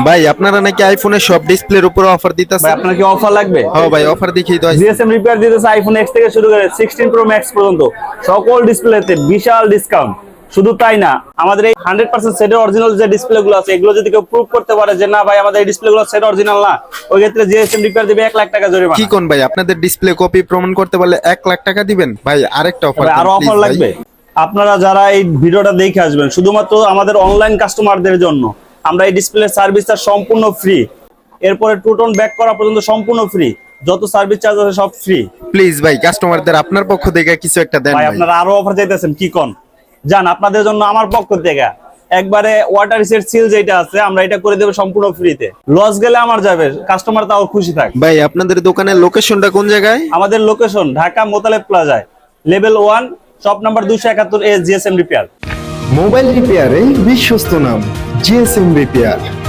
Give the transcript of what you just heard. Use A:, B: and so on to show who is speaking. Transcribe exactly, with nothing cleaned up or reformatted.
A: ভাই আপনারা নাকি আইফোনের সব ডিসপ্লের উপর অফার দিতেছেন।
B: ভাই আপনার কি অফার লাগবে?
A: হ্যাঁ ভাই অফার দেখিয়ে দাও।
B: জিএসএম রিপেয়ার দিতেছে আইফোন এক্স থেকে শুরু করে সিক্সটিন প্রো ম্যাক্স পর্যন্ত সকল ডিসপ্লেতে বিশাল ডিসকাউন্ট। শুধু তাই না, আমাদের এই হান্ড্রেড পার্সেন্ট সেটের অরিজিনাল যে ডিসপ্লে গুলো আছে এগুলো যদি কেউ প্রুভ করতে পারে যে না ভাই আমাদের এই ডিসপ্লে গুলো সেট অরিজিনাল না, ওই ক্ষেত্রে জিএসএম রিপেয়ার দিবে এক লাখ টাকা জরিমানা।
A: কি কোন ভাই, আপনাদের ডিসপ্লে কপি প্রমাণ করতে পারলে এক লাখ টাকা দিবেন? ভাই আরেকটা অফার,
B: আরো অফার লাগবে। আপনারা যারা এই ভিডিওটা দেখে আসবেন শুধুমাত্র আমাদের অনলাইন কাস্টমারদের জন্য আমরা এই ডিসপ্লে সার্ভিসটা সম্পূর্ণ ফ্রি, এরপরে টু টোন ব্যাক করা পর্যন্ত সম্পূর্ণ ফ্রি, যত সার্ভিস চার্জ আছে সব ফ্রি।
A: প্লিজ ভাই কাস্টমারদের আপনার পক্ষ থেকে কিছু একটা দেন
B: ভাই
A: ভাই।
B: আপনারা আরো অফার চাইতেছেন কি কোন? জান আপনাদের জন্য আমার পক্ষ থেকে একবারে ওয়াটার রিসেট সিল যেটা আছে আমরা এটা করে দেব সম্পূর্ণ ফ্রিতে। লস গেলে আমার যাবে, কাস্টমার তাও খুশি থাক।
A: ভাই আপনাদের দোকানের লোকেশনটা কোন জায়গায়?
B: আমাদের লোকেশন ঢাকা মোতালেব প্লাজায়, লেভেল ওয়ান, শপ নাম্বার দুইশো একাত্তর এ জিএসএম রিপেয়ার।
C: মোবাইল রিপেয়ারে বিশ্বস্ত নাম জিএসএম রিপেয়ার।